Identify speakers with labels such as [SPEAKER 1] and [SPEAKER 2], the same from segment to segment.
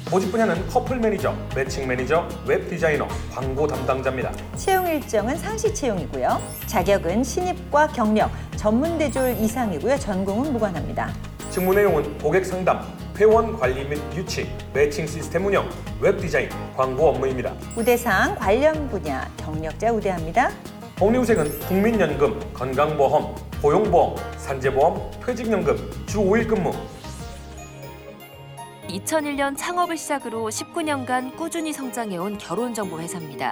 [SPEAKER 1] 보직 분야는 커플 매니저, 매칭 매니저, 웹 디자이너, 광고 담당자입니다.
[SPEAKER 2] 채용 일정은 상시 채용이고요. 자격은 신입과 경력, 전문대졸 이상이고요. 전공은 무관합니다.
[SPEAKER 1] 직무 내용은 고객 상담, 회원 관리 및 유치, 매칭 시스템 운영, 웹 디자인, 광고 업무입니다.
[SPEAKER 2] 우대사항 관련 분야 경력자 우대합니다.
[SPEAKER 1] 복리후생은 국민연금, 건강보험, 고용보험, 산재보험, 퇴직연금, 주 5일 근무.
[SPEAKER 3] 2001년 창업을 시작으로 19년간 꾸준히 성장해온 결혼정보 회사입니다.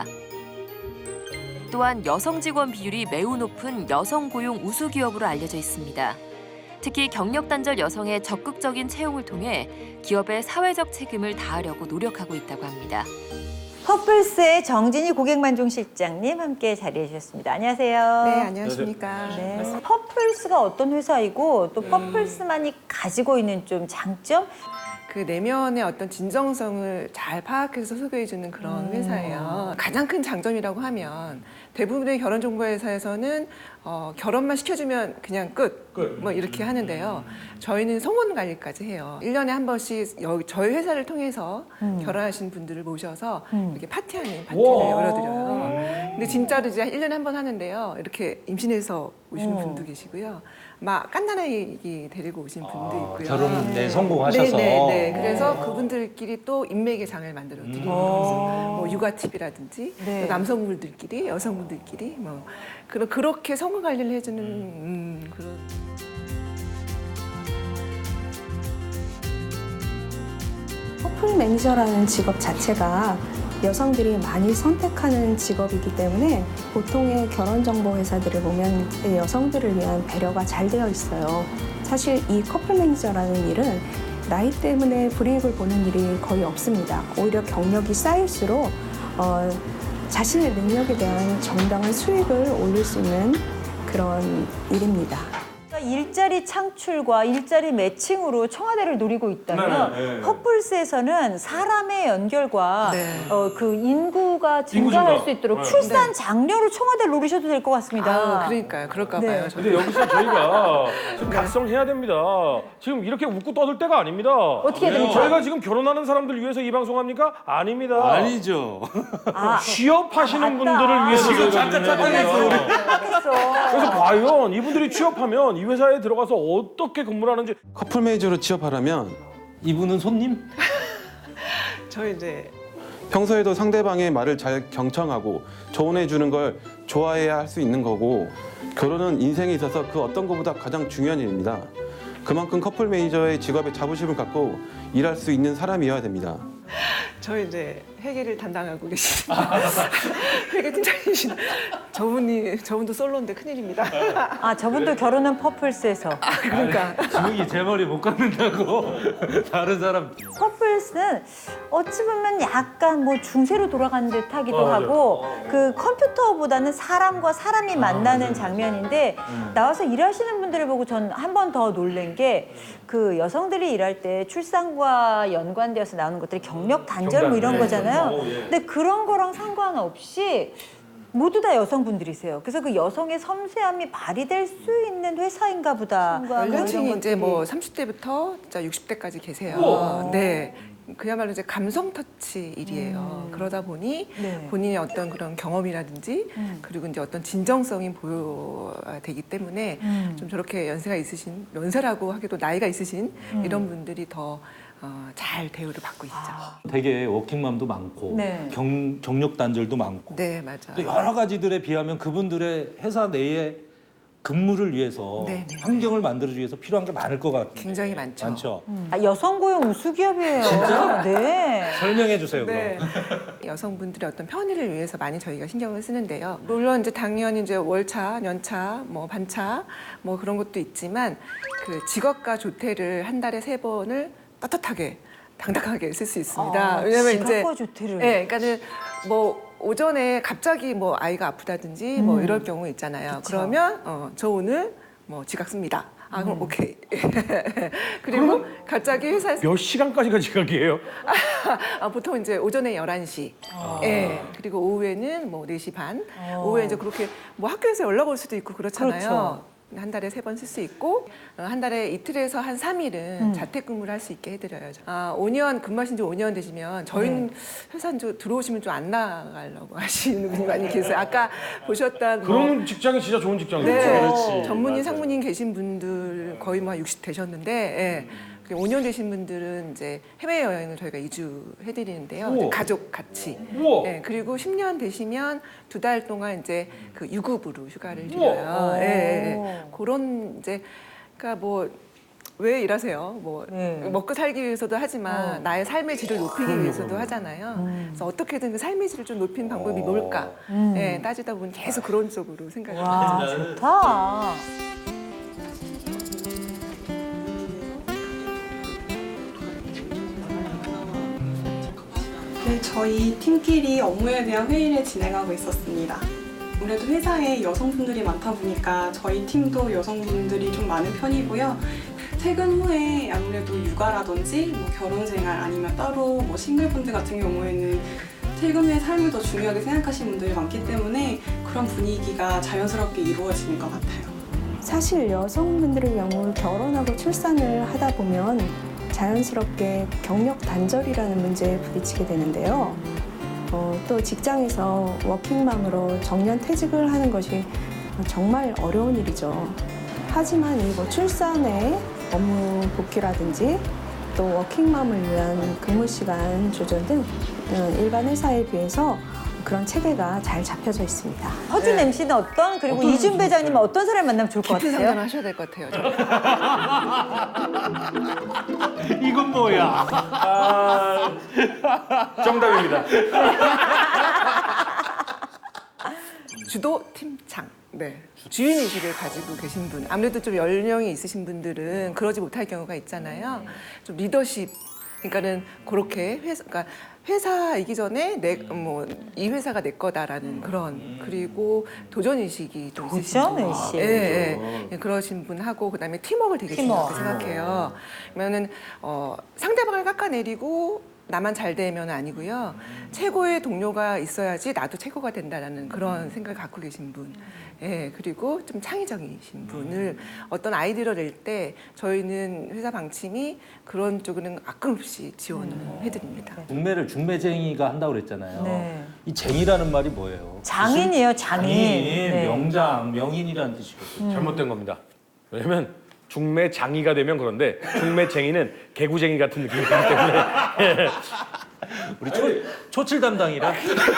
[SPEAKER 3] 또한 여성 직원 비율이 매우 높은 여성 고용 우수 기업으로 알려져 있습니다. 특히 경력 단절 여성의 적극적인 채용을 통해 기업의 사회적 책임을 다하려고 노력하고 있다고 합니다.
[SPEAKER 2] 퍼플스의 정진희 고객만족실장님 함께 자리해 주셨습니다. 안녕하세요.
[SPEAKER 4] 네, 안녕하십니까.
[SPEAKER 2] 네. 퍼플스가 어떤 회사이고 또 퍼플스만이 가지고 있는 좀 장점?
[SPEAKER 4] 그 내면의 어떤 진정성을 잘 파악해서 소개해주는 그런 회사예요. 가장 큰 장점이라고 하면 대부분의 결혼정보회사에서는 결혼만 시켜주면 그냥 끝. 뭐 이렇게 하는데요. 저희는 성혼 관리까지 해요. 1년에 한 번씩 저희 회사를 통해서 결혼하신 분들을 모셔서 이렇게 파티하는 파티를 열어드려요. 근데 진짜로 이제 1년에 한 번 하는데요. 이렇게 임신해서 오시는 분도 계시고요. 막 깐난아기 데리고 오신 분도 있고요.
[SPEAKER 5] 결혼 성공하셔서.
[SPEAKER 4] 네. 그래서 그분들끼리 또 인맥의 장을 만들어 드리는 뭐 육아 팁이라든지
[SPEAKER 2] 네.
[SPEAKER 4] 또 남성분들끼리 여성분들끼리 뭐 그렇게 성공 관리를 해주는 그런.
[SPEAKER 6] 커플 매니저라는 직업 자체가 여성들이 많이 선택하는 직업이기 때문에 보통의 결혼정보 회사들을 보면 여성들을 위한 배려가 잘 되어 있어요. 사실 이 커플 매니저라는 일은 나이 때문에 불이익을 보는 일이 거의 없습니다. 오히려 경력이 쌓일수록 자신의 능력에 대한 정당한 수익을 올릴 수 있는 그런 일입니다.
[SPEAKER 2] 일자리 창출과 일자리 매칭으로 청와대를 노리고 있다면 퍼플스에서는 사람의 연결과 그 인구가 증가할 수 있도록 출산 장려로 청와대를 노리셔도 될 것 같습니다.
[SPEAKER 4] 그러니까요. 그럴까
[SPEAKER 2] 네.
[SPEAKER 4] 봐요.
[SPEAKER 7] 근데 여기서 저희가 좀 각성해야 됩니다. 지금 이렇게 웃고 떠들 때가 아닙니다.
[SPEAKER 2] 어떻게 해야 됩니까?
[SPEAKER 7] 저희가 지금 결혼하는 사람들 위해서 이 방송합니까? 아닙니다.
[SPEAKER 5] 아니죠.
[SPEAKER 7] 취업하시는 분들을 위해서
[SPEAKER 5] 지금
[SPEAKER 7] 저희가
[SPEAKER 5] 잠깐
[SPEAKER 7] 준비해야 됩니다.
[SPEAKER 2] 생각했어.
[SPEAKER 7] 그래서 과연 이분들이 취업하면 이 회사에 들어가서 어떻게 근무를 하는지.
[SPEAKER 8] 커플 매니저로 취업하려면
[SPEAKER 5] 이분은 손님?
[SPEAKER 4] 저 이제
[SPEAKER 8] 평소에도 상대방의 말을 잘 경청하고 조언해 주는 걸 좋아해야 할 수 있는 거고, 결혼은 인생에 있어서 그 어떤 것보다 가장 중요한 일입니다. 그만큼 커플 매니저의 직업에 자부심을 갖고 일할 수 있는 사람이어야 됩니다.
[SPEAKER 4] 저 이제 회계를 담당하고 계신 회계 팀장이신 저분도 솔로인데 큰일입니다.
[SPEAKER 2] 저분도 결혼은 퍼플스에서.
[SPEAKER 4] 그러니까
[SPEAKER 5] 지웅이 제 머리 못 감는다고 다른 사람.
[SPEAKER 2] 퍼플스는 어찌 보면 약간 뭐 중세로 돌아가는 듯하기도 하고 그 컴퓨터보다는 사람과 사람이 만나는 장면인데 나와서 일하시는 분들을 보고 전 한 번 더 놀란 게 그 여성들이 일할 때 출산과 연관되어서 나오는 것들이 경력 단절 뭐 이런 거잖아요. 근데 그런 거랑 상관없이 모두 다 여성분들이세요. 그래서 그 여성의 섬세함이 발휘될 수 있는 회사인가 보다.
[SPEAKER 4] 연령층이 이제 뭐 30대부터 진짜 60대까지 계세요. 네. 그야말로 이제 감성 터치 일이에요. 그러다 보니 본인의 어떤 그런 경험이라든지 그리고 이제 어떤 진정성이 보여되기 때문에 좀 저렇게 연세가 있으신, 연세라고 하기도 나이가 있으신 이런 분들이 더 잘 대우를 받고 있죠.
[SPEAKER 5] 되게 워킹맘도 많고
[SPEAKER 2] 네.
[SPEAKER 5] 경력 단절도 많고
[SPEAKER 4] 네, 맞아요.
[SPEAKER 5] 또 여러 가지들에 비하면 그분들의 회사 내에 근무를 위해서
[SPEAKER 4] 네.
[SPEAKER 5] 환경을 만들어주기 위해서 필요한 게 많을 것 같아요.
[SPEAKER 4] 굉장히 많죠.
[SPEAKER 5] 많죠.
[SPEAKER 2] 여성 고용 우수 기업이에요. 네.
[SPEAKER 5] 설명해 주세요.
[SPEAKER 4] 네.
[SPEAKER 5] 그럼.
[SPEAKER 4] 여성분들의 어떤 편의를 위해서 많이 저희가 신경을 쓰는데요. 물론 이제 당연히 이제 월차, 연차, 뭐 반차, 뭐 그런 것도 있지만 그 직업과 조퇴를 한 달에 3번을 떳떳하게 당당하게 쓸 수 있습니다. 왜냐면 이제
[SPEAKER 2] 직업과 조퇴를.
[SPEAKER 4] 네, 그러니까는 뭐 오전에 갑자기 뭐 아이가 아프다든지 뭐 이럴 경우 있잖아요. 그러면 저 오늘 뭐 지각 씁니다. 그럼 오케이. 그리고 갑자기 회사에서
[SPEAKER 7] 몇 시간까지가 지각이에요?
[SPEAKER 4] 보통 이제 오전에 11시. 예. 그리고 오후에는 뭐 4시 반. 오후에 이제 그렇게 뭐 학교에서 연락 올 수도 있고 그렇잖아요.
[SPEAKER 2] 그렇죠.
[SPEAKER 4] 한 달에 3번 쓸 수 있고 한 달에 이틀에서 한 3일은 자택근무를 할 수 있게 해드려요. 5년 근무하신 지 5년 되시면 저희는 회사 들어오시면 좀 안 나가려고 하시는 분이 많이 계세요. 아까 보셨던
[SPEAKER 7] 그런 직장이 진짜 좋은 직장이죠.
[SPEAKER 4] 네, 전문인, 상무님 계신 분들 거의 뭐 60 되셨는데 예. 5년 되신 분들은 이제 해외 여행을 저희가 이주해드리는데요.
[SPEAKER 7] 우와.
[SPEAKER 4] 가족 같이.
[SPEAKER 7] 우와.
[SPEAKER 4] 예, 그리고 10년 되시면 2달 동안 이제 그 유급으로 휴가를 드려요. 예, 예. 그런 이제 그러니까 뭐 왜 일하세요? 뭐 먹고 살기 위해서도 하지만 나의 삶의 질을 높이기 위해서도 하잖아요. 그래서 어떻게든 그 삶의 질을 좀 높이는 방법이 뭘까? 예, 따지다 보면 계속 그런 쪽으로 생각을 하죠.
[SPEAKER 2] 와, 좋다.
[SPEAKER 9] 네, 저희 팀끼리 업무에 대한 회의를 진행하고 있었습니다. 아무래도 회사에 여성분들이 많다 보니까 저희 팀도 여성분들이 좀 많은 편이고요. 퇴근 후에 아무래도 육아라든지 뭐 결혼생활 아니면 따로 뭐 싱글분들 같은 경우에는 퇴근 후의 삶을 더 중요하게 생각하시는 분들이 많기 때문에 그런 분위기가 자연스럽게 이루어지는 것 같아요.
[SPEAKER 6] 사실 여성분들의 경우 결혼하고 출산을 하다 보면 자연스럽게 경력 단절이라는 문제에 부딪히게 되는데요. 또 직장에서 워킹맘으로 정년 퇴직을 하는 것이 정말 어려운 일이죠. 하지만 이 뭐 출산에 업무 복귀라든지 또 워킹맘을 위한 근무 시간 조절 등 일반 회사에 비해서 그런 체계가 잘 잡혀져 있습니다.
[SPEAKER 2] 허준 MC는 어떤, 그리고 이준 배장님은 어떤 사람을 만나면 좋을 것
[SPEAKER 4] 깊은
[SPEAKER 2] 같아요?
[SPEAKER 4] 상담을 하셔야 될 것 같아요.
[SPEAKER 5] 이건 뭐야?
[SPEAKER 7] 정답입니다.
[SPEAKER 4] 주도 팀장. 네. 주인의식을 가지고 계신 분. 아무래도 좀 연령이 있으신 분들은 그러지 못할 경우가 있잖아요. 좀 리더십. 그러니까는 그렇게 회사이기 전에 이 회사가 내 거다라는 그런 그리고 도전의식이 좀 있으신 분.
[SPEAKER 2] 도전의식.
[SPEAKER 4] 예, 예. 그러신 분하고 그다음에 팀워크를 되게 중요하게 생각해요. 그러면은 상대방을 깎아내리고 나만 잘 되면 아니고요. 최고의 동료가 있어야지 나도 최고가 된다라는 그런 생각을 갖고 계신 분. 예, 그리고 좀 창의적이신 분을 어떤 아이디어를 낼 때 저희는 회사 방침이 그런 쪽은 아낌없이 지원을 해드립니다.
[SPEAKER 5] 중매를 중매쟁이가 한다고 그랬잖아요.
[SPEAKER 2] 네.
[SPEAKER 5] 이 쟁이라는 말이 뭐예요?
[SPEAKER 2] 장인이에요, 장인. 네.
[SPEAKER 5] 명장, 명인이라는 뜻이거든요.
[SPEAKER 7] 잘못된 겁니다. 왜냐면 중매장이가 되면 그런데 중매쟁이는 개구쟁이 같은 느낌이기 때문에
[SPEAKER 5] 우리 초칠 담당이라.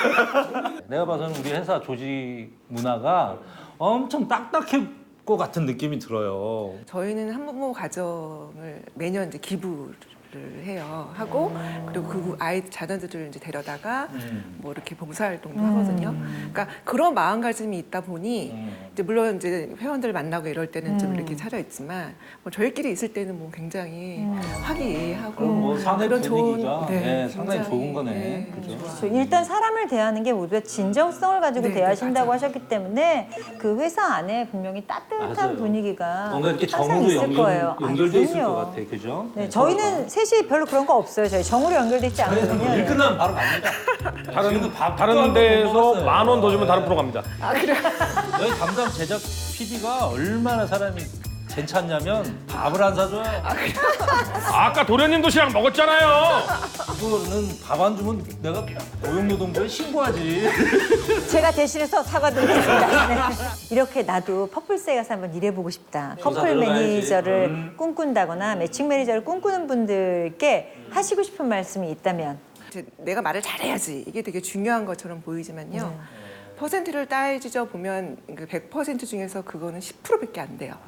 [SPEAKER 5] 내가 봐서는 우리 회사 조직 문화가 엄청 딱딱할 것 같은 느낌이 들어요.
[SPEAKER 4] 저희는 한부모 가정을 매년 이제 기부를 해요. 하고 그리고 그 아이 자녀들을 이제 데려다가 뭐 이렇게 봉사활동도 하거든요. 그러니까 그런 마음가짐이 있다 보니 이제 물론 이제 회원들 만나고 이럴 때는 좀 이렇게 차려 있지만 뭐 저희끼리 있을 때는 뭐 굉장히 화기애애하고
[SPEAKER 5] 그럼 뭐 사내
[SPEAKER 4] 그런
[SPEAKER 5] 분위기가
[SPEAKER 4] 네,
[SPEAKER 5] 상당히
[SPEAKER 4] 굉장히,
[SPEAKER 5] 좋은 거네.
[SPEAKER 4] 네,
[SPEAKER 5] 그죠?
[SPEAKER 2] 그렇죠. 일단 사람을 대하는 게 모두가 진정성을 가지고
[SPEAKER 4] 네,
[SPEAKER 2] 대하신다고
[SPEAKER 4] 맞아요.
[SPEAKER 2] 하셨기 때문에 그 회사 안에 분명히 따뜻한
[SPEAKER 5] 맞아요.
[SPEAKER 2] 분위기가
[SPEAKER 5] 뭔가 이렇게
[SPEAKER 2] 항상
[SPEAKER 5] 정으로
[SPEAKER 2] 있을 거예요.
[SPEAKER 5] 연결돼 있을
[SPEAKER 2] 그럼요.
[SPEAKER 5] 것 같아, 그죠?
[SPEAKER 2] 네, 저희는 셋이 별로 그런 거 없어요. 저희 정으로 연결돼 있지 않거든요.
[SPEAKER 5] 일 끝나면 바로 갑니다.
[SPEAKER 7] 다른 데서 10,000원 더 주면 다른 프로 갑니다.
[SPEAKER 5] 여기 담당 제작 PD가 얼마나 사람이 괜찮냐면 밥을 안 사줘요.
[SPEAKER 7] 아까 도련님 도시락 먹었잖아요.
[SPEAKER 5] 그거는 밥 안 주면 내가 고용노동부에 신고하지.
[SPEAKER 2] 제가 대신해서 사과드리겠습니다. 네. 이렇게 나도 퍼플스에 가서 한번 일해보고 싶다. 커플
[SPEAKER 5] 들어가야지.
[SPEAKER 2] 매니저를 꿈꾼다거나 매칭 매니저를 꿈꾸는 분들께 하시고 싶은 말씀이 있다면?
[SPEAKER 4] 이제 내가 말을 잘해야지 이게 되게 중요한 것처럼 보이지만요. 퍼센트를 따지져 보면 그 100% 중에서 그거는 10%밖에 안 돼요.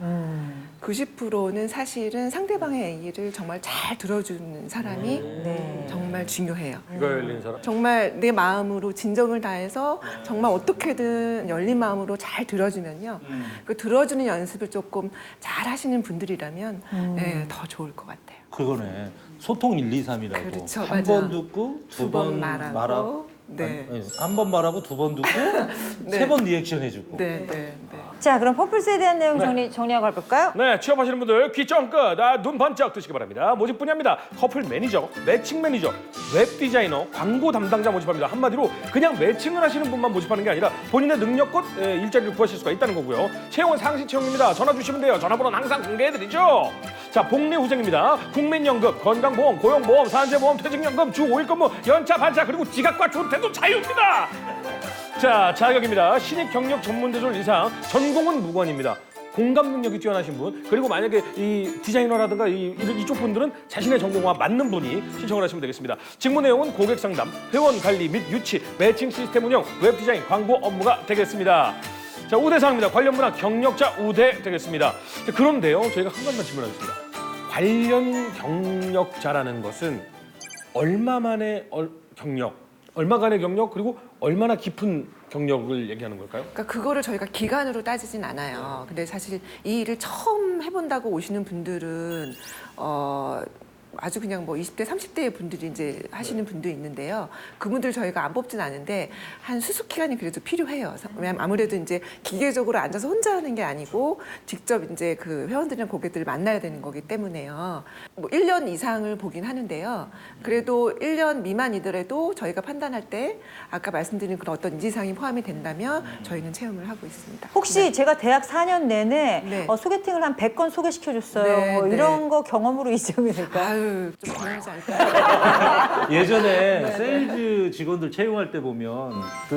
[SPEAKER 4] 90%는 사실은 상대방의 얘기를 정말 잘 들어주는 사람이
[SPEAKER 2] 네.
[SPEAKER 4] 정말 중요해요.
[SPEAKER 7] 이거 열린 사람.
[SPEAKER 4] 정말 내 마음으로 진정을 다해서 정말 어떻게든 열린 마음으로 잘 들어주면요. 그 들어주는 연습을 조금 잘 하시는 분들이라면 네, 더 좋을 것 같아요.
[SPEAKER 5] 그거네. 소통 1, 2, 3이라고.
[SPEAKER 4] 그렇죠,
[SPEAKER 5] 한
[SPEAKER 4] 맞아.
[SPEAKER 5] 번 듣고 두 번 말하고.
[SPEAKER 4] 네.
[SPEAKER 5] 한 번 말하고 두 번 듣고
[SPEAKER 4] 네.
[SPEAKER 5] 세 번 리액션 해주고.
[SPEAKER 4] 네, 네, 네.
[SPEAKER 2] 자, 그럼 퍼플스에 대한 내용 정리하고 가볼까요?
[SPEAKER 1] 네, 취업하시는 분들 귀 쫑긋, 눈 번쩍 뜨시기 바랍니다. 모집 분야입니다. 커플 매니저, 매칭 매니저, 웹 디자이너, 광고 담당자 모집합니다. 한마디로 그냥 매칭을 하시는 분만 모집하는 게 아니라 본인의 능력껏 일자리를 구하실 수가 있다는 거고요. 채용은 상시 채용입니다. 전화 주시면 돼요. 전화번호는 항상 공개해드리죠. 자, 복리 후생입니다. 국민연금, 건강보험, 고용보험, 산재보험, 퇴직연금, 주 5일 근무, 연차, 반차, 그리고 지각과 조퇴도 자유입니다. 자, 자격입니다. 신입 경력 전문대졸 이상, 전공은 무관입니다. 공감 능력이 뛰어나신 분, 그리고 만약에 이 디자이너라든가 이쪽 분들은 자신의 전공과 맞는 분이 신청을 하시면 되겠습니다. 직무 내용은 고객 상담, 회원 관리 및 유치, 매칭 시스템 운영, 웹 디자인, 광고 업무가 되겠습니다. 자, 우대사항입니다. 관련 분야 경력자 우대 되겠습니다. 자, 그런데요, 저희가 한 가지만 질문하겠습니다. 관련 경력자라는 것은 얼마만의 경력, 얼마간의 경력, 그리고 얼마나 깊은 경력을 얘기하는 걸까요?
[SPEAKER 4] 그러니까 그거를 저희가 기간으로 따지진 않아요. 근데 사실 이 일을 처음 해본다고 오시는 분들은 아주 그냥 뭐 20대, 30대의 분들이 이제 하시는 분도 있는데요. 그분들 저희가 안 뽑진 않은데 한 수습 기간이 그래도 필요해요. 왜냐면 아무래도 이제 기계적으로 앉아서 혼자 하는 게 아니고 직접 이제 그 회원들이랑 고객들을 만나야 되는 거기 때문에요. 뭐 1년 이상을 보긴 하는데요. 그래도 1년 미만이더라도 저희가 판단할 때 아까 말씀드린 그런 어떤 인지사항이 포함이 된다면 저희는 채용을 하고 있습니다.
[SPEAKER 2] 혹시
[SPEAKER 4] 네.
[SPEAKER 2] 제가 대학 4년 내내
[SPEAKER 4] 네.
[SPEAKER 2] 소개팅을 한 100건 소개시켜줬어요.
[SPEAKER 4] 네,
[SPEAKER 2] 뭐
[SPEAKER 4] 네.
[SPEAKER 2] 이런 거 경험으로 인정이 될까요?
[SPEAKER 4] 아유, 좀 불안하지 않을까요?
[SPEAKER 5] 예전에 세일즈 직원들 채용할 때 보면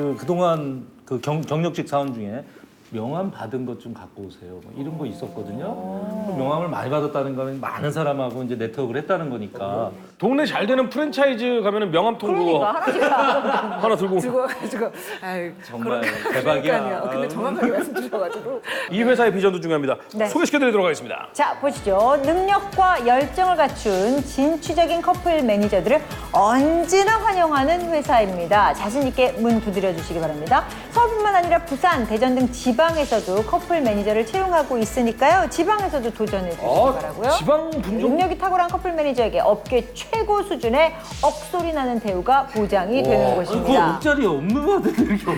[SPEAKER 5] 그동안 그 경력직 사원 중에 명함 받은 것 좀 갖고 오세요. 뭐 이런 거 있었거든요. 명함을 많이 받았다는 거는 많은 사람하고 이제 네트워크를 했다는 거니까.
[SPEAKER 1] 동네 잘 되는 프랜차이즈 가면은 명함 통보
[SPEAKER 2] 그러니까 하나씩 다
[SPEAKER 1] 하나 들고
[SPEAKER 4] 죽어가지고 아유
[SPEAKER 5] 정말
[SPEAKER 4] 그러니까요.
[SPEAKER 5] 대박이야.
[SPEAKER 4] 근데 정확하게 말씀드려가지고
[SPEAKER 1] 이 회사의 비전도 중요합니다.
[SPEAKER 2] 네.
[SPEAKER 1] 소개시켜드리도록 하겠습니다.
[SPEAKER 2] 자, 보시죠. 능력과 열정을 갖춘 진취적인 커플 매니저들을 언제나 환영하는 회사입니다. 자신 있게 문 두드려 주시기 바랍니다. 서울뿐만 아니라 부산, 대전 등 지방에서도 커플 매니저를 채용하고 있으니까요. 지방에서도 도전해 주시기 바라고요.
[SPEAKER 1] 지방 분종
[SPEAKER 2] 능력이 탁월한 커플 매니저에게 업계 최고 수준의 억소리 나는 대우가 보장이 되는
[SPEAKER 5] 그거
[SPEAKER 2] 곳입니다.
[SPEAKER 5] 옷자리 없는 분들 이렇게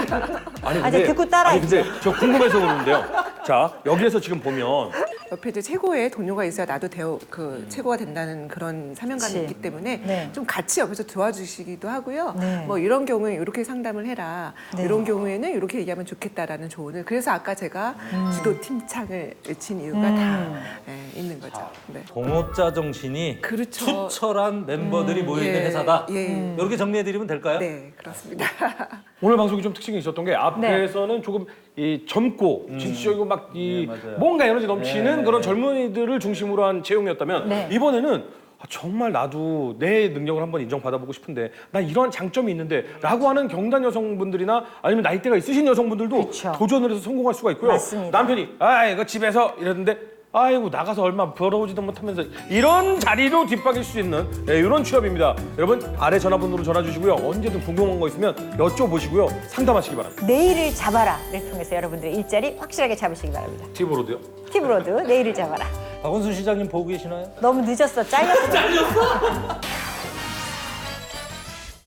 [SPEAKER 1] 아니
[SPEAKER 2] 이제 듣고 따라해
[SPEAKER 1] 아니 근데 저 궁금해서 그러는데요. 자, 여기에서 지금 보면
[SPEAKER 4] 옆에 이제 최고의 동료가 있어야 나도 최고가 된다는 그런 사명감이
[SPEAKER 2] 그치.
[SPEAKER 4] 있기 때문에
[SPEAKER 2] 네.
[SPEAKER 4] 좀 같이 옆에서 도와주시기도 하고요.
[SPEAKER 2] 네.
[SPEAKER 4] 뭐 이런 경우에 이렇게 상담을 해라.
[SPEAKER 2] 네.
[SPEAKER 4] 이런 경우에는 이렇게 얘기하면 좋겠다라는 조언을. 그래서 아까 제가 지도팀창을 외친 이유가 다 있는 거죠. 네.
[SPEAKER 5] 동업자 정신이
[SPEAKER 4] 그렇죠.
[SPEAKER 5] 투철한 멤버들이 모여있는
[SPEAKER 4] 예,
[SPEAKER 5] 회사다.
[SPEAKER 4] 예.
[SPEAKER 5] 이렇게 정리해드리면 될까요?
[SPEAKER 4] 네, 그렇습니다.
[SPEAKER 1] 오늘 방송이 좀 특징이 있었던 게 앞에서는 조금 이 젊고 진취적이고 막 이
[SPEAKER 5] 네, 맞아요.
[SPEAKER 1] 뭔가 에너지 넘치는
[SPEAKER 5] 네.
[SPEAKER 1] 그런 젊은이들을 중심으로 한 채용이었다면
[SPEAKER 2] 네.
[SPEAKER 1] 이번에는 정말 나도 내 능력을 한번 인정받아보고 싶은데 나 이런 장점이 있는데 라고 하는 경단 여성분들이나 아니면 나이대가 있으신 여성분들도
[SPEAKER 2] 그쵸.
[SPEAKER 1] 도전을 해서 성공할 수가 있고요.
[SPEAKER 2] 맞습니다.
[SPEAKER 1] 남편이 이거 집에서 이랬는데 아이고 나가서 얼마 벌어오지도 못하면서 이런 자리로 뒷박일 수 있는 이런 취업입니다. 여러분 아래 전화번호로 전화 주시고요. 언제든 궁금한 거 있으면 여쭤보시고요. 상담하시기 바랍니다.
[SPEAKER 2] 내일을 잡아라를 통해서 여러분들의 일자리 확실하게 잡으시기 바랍니다.
[SPEAKER 1] 팁으로도요.
[SPEAKER 2] 팁으로도 내일을 잡아라.
[SPEAKER 5] 박원순 시장님 보고 계시나요?
[SPEAKER 2] 너무 늦었어. 잘렸어.